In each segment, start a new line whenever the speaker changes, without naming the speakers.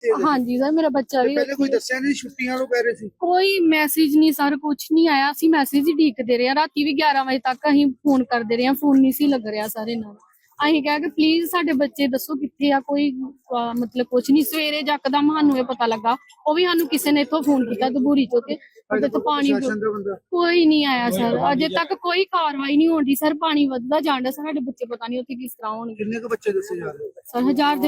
ਬੱਚੇ
हाँ जी सर मेरा बच्चा भी
ਪਹਿਲੇ ਕੋਈ ਦੱਸਿਆ ਨਹੀਂ ਛੁੱਟੀਆਂ ਨੂੰ ਕਹਿ ਰਹੇ ਸੀ
कोई मैसेज नहीं सर कुछ नहीं आया ਅਸੀਂ ਮੈਸੇਜ ਹੀ ਢੀਕਦੇ ਰਹੇ ਰਾਤੀ ਵੀ 11 ਵਜੇ ਤੱਕ ਅਸੀਂ ਫੋਨ ਕਰਦੇ ਰਹੇ ਫੋਨ ਨਹੀਂ ਸੀ ਲੱਗ ਰਿਹਾ ਸਾਰੇ ਨਾਲ ਅਸੀਂ ਕਿਹਾ ਕਿ ਪਲੀਜ਼ ਸਾਡੇ ਬੱਚੇ ਦੱਸੋ ਕਿੱਥੇ ਆ ਕੋਈ ਮਤਲਬ ਕੁਝ ਨਹੀਂ ਸਵੇਰੇ ਜੱਕਦਮ ਸਾਨੂੰ ਇਹ ਪਤਾ ਲੱਗਾ ਉਹ ਵੀ ਸਾਨੂੰ ਕਿਸੇ ਨੇ ਇੱਥੋਂ ਫੋਨ ਕੀਤਾ ਦਬੂਰੀ ਤੋਂ ਤੇ ਉਹਦੇ ਤੋਂ ਪਾਣੀ ਕੋਈ ਨਹੀਂ ਆਇਆ ਸਰ ਅਜੇ ਤੱਕ ਕੋਈ ਕਾਰਵਾਈ ਨਹੀਂ ਹੋਣੀ ਸਰ ਪਾਣੀ ਵੱਧਦਾ ਜਾਂਦਾ ਸਾਡੇ ਬੱਚੇ ਪਤਾ ਨਹੀਂ ਉੱਥੇ ਕਿਸ ਤਰ੍ਹਾਂ ਹੋਣਗੇ
ਕਿੰਨੇ ਕੁ ਬੱਚੇ ਦੱਸੇ ਜਾ ਰਹੇ
ਸਰ 1000 ਦੇ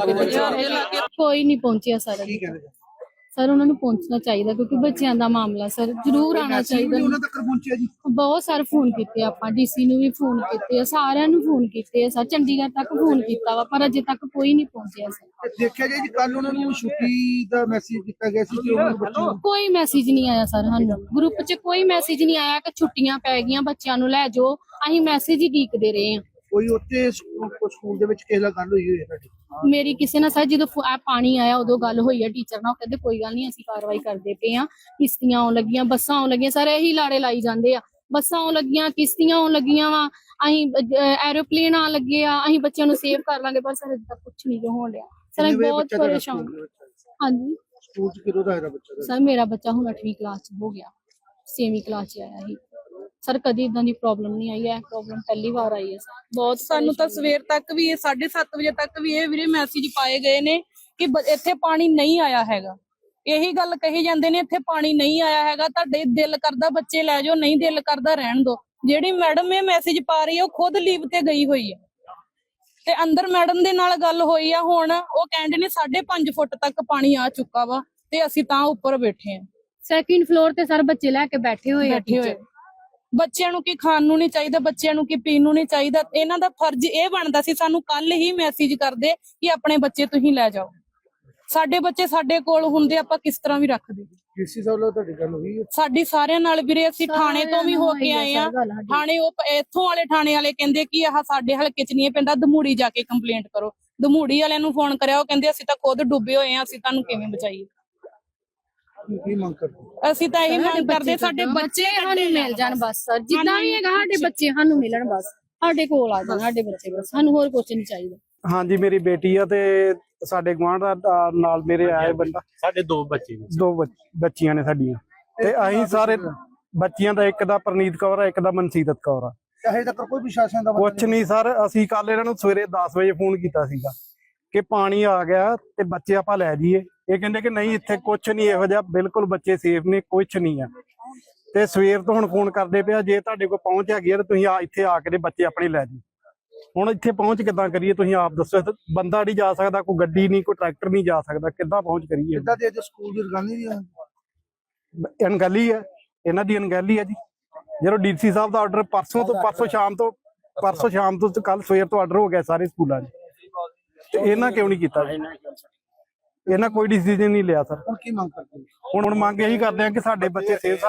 ਲਾਗੇ ਕੋਈ ਨਹੀਂ ਪਹੁੰਚਿਆ ਸਰ
ਕੀ ਕਹਿੰਦੇ
ਸਰ ਉਹਨਾਂ ਨੂੰ ਪਹੁੰਚਣਾ ਚਾਹੀਦਾ ਕਿਉਂਕਿ ਬੱਚਿਆਂ ਦਾ ਮਾਮਲਾ ਸਰ ਜ਼ਰੂਰ ਆਉਣਾ ਚਾਹੀਦਾ
ਉਹਨਾਂ ਤੱਕ ਪਹੁੰਚਿਆ ਜੀ
ਬਹੁਤ ਸਾਰੇ ਫੋਨ ਕੀਤੇ ਆਪਾਂ ਡੀਸੀ ਨੂੰ ਵੀ ਫੋਨ ਕੀਤੇ ਆ ਸਾਰਿਆਂ ਨੂੰ ਫੋਨ ਕੀਤੇ ਆ ਸਰ ਚੰਡੀਗੜ੍ਹ ਤੱਕ ਫੋਨ ਕੀਤਾ ਵਾ ਪਰ ਅਜੇ ਤੱਕ ਕੋਈ ਨਹੀਂ ਪਹੁੰਚਿਆ ਸਰ
ਦੇਖਿਆ ਜੀ ਕੱਲ ਉਹਨਾਂ ਨੂੰ ਛੁੱਟੀ ਦਾ ਮੈਸੇਜ ਕੀਤਾ ਗਿਆ ਸੀ ਕਿ ਉਹਨਾਂ ਨੂੰ ਬੱਚੇ
ਕੋਈ ਮੈਸੇਜ ਨਹੀਂ ਆਇਆ ਸਰ ਸਾਨੂੰ ਗਰੁੱਪ 'ਚ ਕੋਈ ਮੈਸੇਜ ਨਹੀਂ ਆਇਆ ਕਿ ਛੁੱਟੀਆਂ ਪੈ ਗਈਆਂ ਬੱਚਿਆਂ ਨੂੰ ਲੈ ਜਾਓ ਅਸੀਂ ਮੈਸੇਜ ਹੀ ਡੀਕਦੇ ਰਹੇ ਆ
ਕੋਈ ਉੱਥੇ ਸਕੂਲ ਦੇ ਵਿੱਚ ਕਿਸੇ ਨਾਲ ਗੱਲ ਹੋਈ ਹੋਈ ਤੁਹਾਡੀ
ਮੇਰੀ ਕਿਸੇ ਨਾਲ ਸਰ ਜਦੋਂ ਪਾਣੀ ਆਇਆ ਉਦੋਂ ਗੱਲ ਹੋਈ ਆ ਟੀਚਰ ਨਾਲ ਉਹ ਕਹਿੰਦੇ ਕੋਈ ਗੱਲ ਨਹੀਂ ਅਸੀਂ ਕਾਰਵਾਈ ਕਰਦੇ ਪਏ ਆ ਕਿਸ਼ਤੀਆਂ ਆਉਣ ਲੱਗੀਆਂ ਬੱਸਾਂ ਆਉਣ ਲੱਗੀਆਂ ਸਰ ਇਹੀ ਲਾੜੇ ਲਾਈ ਜਾਂਦੇ ਆ ਬੱਸਾਂ ਆਉਣ ਲੱਗੀਆਂ ਕਿਸ਼ਤੀਆਂ ਆਉਣ ਲੱਗੀਆਂ ਵਾ ਅਸੀਂ ਐਰੋਪਲੇਨ ਆਉਣ ਲੱਗੇ ਆ ਅਸੀਂ ਬੱਚਿਆਂ ਨੂੰ ਸੇਵ ਕਰ ਲਾਂਗੇ ਪਰ ਸਰ ਅਜੇ ਤੱਕ ਕੁਝ ਨਹੀਂ ਹੋਣ ਰਿਹਾ ਸਰ ਅਸੀਂ ਬਹੁਤ ਪਰੇਸ਼ਾਨ ਹਾਂਜੀ
ਸਕੂਲ ਚ ਕਿਹੜਾ ਦਾ ਬੱਚਾ
ਸਰ ਮੇਰਾ ਬੱਚਾ ਹੁਣ 8ਵੀਂ ਕਲਾਸ ਚ ਹੋ ਗਿਆ 6ਵੀਂ ਕਲਾਸ ਚ ਆਇਆ ਸੀ ਸਰ ਕਦੀ ਇਦਾਂ ਦੀ ਪ੍ਰੋਬਲਮ ਨਹੀਂ ਆਈ ਹੈ ਪ੍ਰੋਬਲਮ ਪਹਿਲੀ ਵਾਰ ਆਈ ਹੈ ਸਰ ਬਹੁਤ
ਸਾਨੂੰ ਤਾਂ ਸਵੇਰ ਤੱਕ ਵੀ 7:30 ਵਜੇ ਤੱਕ ਵੀ ਇਹ ਵੀਰੇ ਮੈਸੇਜ ਪਾਏ ਗਏ ਨੇ ਕਿ ਇੱਥੇ ਪਾਣੀ ਨਹੀਂ ਆਇਆ ਹੈਗਾ ਇਹੀ ਗੱਲ ਕਹੀ ਜਾਂਦੇ ਨੇ ਇੱਥੇ ਪਾਣੀ ਨਹੀਂ ਆਇਆ ਹੈਗਾ ਤੁਹਾਡੇ ਦਿਲ ਕਰਦਾ ਬੱਚੇ ਲੈ ਜਾਓ ਨਹੀਂ ਦਿਲ ਕਰਦਾ ਰਹਿਣ ਦਿਓ ਜਿਹੜੀ ਮੈਡਮ ਇਹ ਮੈਸੇਜ ਪਾ ਰਹੀ ਹੈ ਉਹ ਖੁਦ ਲੀਵ ਤੇ ਗਈ ਹੋਈ ਹੈ ਤੇ ਅੰਦਰ ਮੈਡਮ ਦੇ ਨਾਲ ਗੱਲ ਹੋਈ ਆ ਹੁਣ ਉਹ ਕਹਿੰਦੇ ਨੇ 5.5 ਫੁੱਟ ਤੱਕ ਪਾਣੀ ਆ ਚੁੱਕਾ ਵਾ ਤੇ ਅਸੀਂ ਤਾਂ ਉੱਪਰ ਬੈਠੇ ਆ
ਸੈਕਿੰਡ ਫਲੋਰ ਤੇ ਸਰ ਬੱਚੇ ਲੈ ਕੇ ਬੈਠੇ ਹੋਏ
ਬੱਚਿਆਂ ਨੂੰ ਕੀ ਖਾਣ ਨੂੰ ਨਹੀਂ ਚਾਹੀਦਾ ਬੱਚਿਆਂ ਨੂੰ ਕੀ ਪੀਣ ਨੂੰ ਨਹੀਂ ਚਾਹੀਦਾ ਇਹਨਾਂ ਦਾ ਫਰਜ਼ ਇਹ ਬਣਦਾ ਸੀ ਸਾਨੂੰ ਕੱਲ ਹੀ ਮੈਸੇਜ ਕਰਦੇ ਕਿ ਆਪਣੇ ਬੱਚੇ ਤੁਸੀਂ ਲੈ ਜਾਓ ਸਾਡੇ ਬੱਚੇ ਸਾਡੇ ਕੋਲ ਹੁੰਦੇ ਆਪਾਂ ਕਿਸ ਤਰ੍ਹਾਂ ਵੀ ਰੱਖਦੇ
ਡੀਸੀ ਸਾਹਿਬ ਨਾਲ ਤੁਹਾਡੀ ਗੱਲ ਹੋਈ
ਸਾਡੀ ਸਾਰਿਆਂ ਨਾਲ ਵੀਰੇ ਅਸੀਂ ਥਾਣੇ ਤੋਂ ਵੀ ਹੋ ਕੇ ਆਏ ਆ ਥਾਣੇ ਉਹ ਇੱਥੋਂ ਵਾਲੇ ਥਾਣੇ ਵਾਲੇ ਕਹਿੰਦੇ ਕਿ ਆਹ ਸਾਡੇ ਹਲਕੇ ਚ ਨਹੀਂ ਪੈਂਦਾ ਦਮੂੜੀ ਜਾ ਕੇ ਕੰਪਲੇਂਟ ਕਰੋ ਦਮੂੜੀ ਵਾਲਿਆਂ ਨੂੰ ਫੋਨ ਕਰਿਆ ਉਹ ਕਹਿੰਦੇ ਅਸੀਂ ਤਾਂ ਖੁਦ ਡੁੱਬੇ ਹੋਏ ਆ ਅਸੀਂ ਤੁਹਾਨੂੰ ਕਿਵੇਂ ਬਚਾਈਏ
ਕੀ ਮੰਗ ਕਰਦੇ
ਅਸੀਂ ਤਾਂ ਇਹੀ ਮੰਗ ਕਰਦੇ ਸਾਡੇ ਬੱਚੇ
ਸਾਨੂੰ ਮਿਲ ਜਾਣ ਬਸ ਸਰ ਜਿੱਦਾਂ ਵੀ ਹੈਗਾ ਸਾਡੇ ਬੱਚੇ ਸਾਨੂੰ ਮਿਲਣ ਬਸ ਸਾਡੇ ਕੋਲ ਆ ਜਾਣ ਸਾਡੇ ਬੱਚੇ ਬਸ ਸਾਨੂੰ ਹੋਰ ਕੁਝ ਨਹੀਂ ਚਾਹੀਦਾ
ਹਾਂਜੀ ਮੇਰੀ ਬੇਟੀ ਆ ਤੇ ਸਾਡੇ ਗੁਆਂਢ ਦਾ ਨਾਲ ਮੇਰੇ ਆਏ ਬੰਦਾ
ਸਾਡੇ ਦੋ ਬੱਚੇ ਨੇ
ਦੋ ਬੱਚੀਆਂ ਨੇ ਸਾਡੀਆਂ ਤੇ ਅਸੀਂ ਸਾਰੇ ਬੱਚੀਆਂ ਦਾ ਇੱਕ ਦਾ ਪ੍ਰਨੀਤ ਕੌਰ ਆ ਇੱਕ ਦਾ ਮਨਸੀਰਤ ਕੌਰ ਆ
ਹਜੇ ਤੱਕ ਕੋਈ ਪ੍ਰਸ਼ਾਸਨ ਦਾ
ਕੁਛ ਨਹੀਂ ਸਰ ਅਸੀਂ ਕੱਲ ਇਹਨਾਂ ਨੂੰ ਸਵੇਰੇ 10 ਵਜੇ ਫੋਨ ਕੀਤਾ ਸੀਗਾ ਕਿ ਪਾਣੀ ਆ ਗਿਆ ਤੇ ਬੱਚੇ ਆਪਾਂ ਲੈ ਜਾਈਏ ਇਹ ਕਹਿੰਦੇ ਕਿ ਨਹੀਂ ਇੱਥੇ ਕੁਛ ਨਹੀਂ ਇਹੋ ਜਿਹਾ ਬਿਲਕੁਲ ਬੱਚੇ ਸੇਫ ਨੇ ਕੁਛ ਨਹੀਂ ਆ ਤੇ ਸਵੇਰ ਤੋਂ ਹੁਣ ਫੋਨ ਕਰਦੇ ਪਿਆ ਜੇ ਤੁਹਾਡੇ ਕੋਲ ਪਹੁੰਚ ਹੈਗੀ ਆ ਤੇ ਤੁਸੀਂ ਇੱਥੇ ਆ ਕੇ ਬੱਚੇ ਆਪਣੇ ਲੈ ਜਾਓ ਹੁਣ ਇੱਥੇ ਪਹੁੰਚ ਕਿੱਦਾਂ ਕਰੀਏ ਤੁਸੀਂ ਆਪ ਦੱਸੋ ਬੰਦਾ ਨਹੀਂ ਜਾ ਸਕਦਾ ਕੋਈ ਗੱਡੀ ਨਹੀਂ ਕੋਈ ਟਰੈਕਟਰ ਨਹੀਂ ਜਾ ਸਕਦਾ ਕਿੱਦਾਂ ਪਹੁੰਚ ਕਰੀਏ
ਕਿੱਦਾਂ ਦੇ ਸਕੂਲ ਦੀ ਰਗਾਨੀ ਦੀ
ਅਣਗਹਿਲੀ ਹੈ ਇਹਨਾਂ ਦੀ ਅਣਗਹਿਲੀ ਹੈ ਜੀ ਜਦੋਂ ਡੀਸੀ ਸਾਹਿਬ ਦਾ ਆਰਡਰ ਪਰਸੋਂ ਸ਼ਾਮ ਤੋਂ ਕੱਲ ਸਵੇਰ ਤੋਂ ਆਰਡਰ ਹੋ ਗਿਆ ਸਾਰੇ ਸਕੂਲਾਂ 'ਚ ਤੇ ਇਹਨਾਂ ਕਿਉਂ ਨਹੀਂ ਕੀਤਾ ਇਹਨਾਂ ਕੋਈ ਡਿਸੀਜਨ ਨਹੀਂ ਲਿਆ ਸਰ
ਹੁਣ ਕੀ ਮੰਗ ਕਰਦੇ
ਹੁਣ ਮੰਗ ਇਹੀ ਕਰਦੇ ਆ ਕਿ ਸਾਡੇ ਬੱਚੇ ਸੇਫ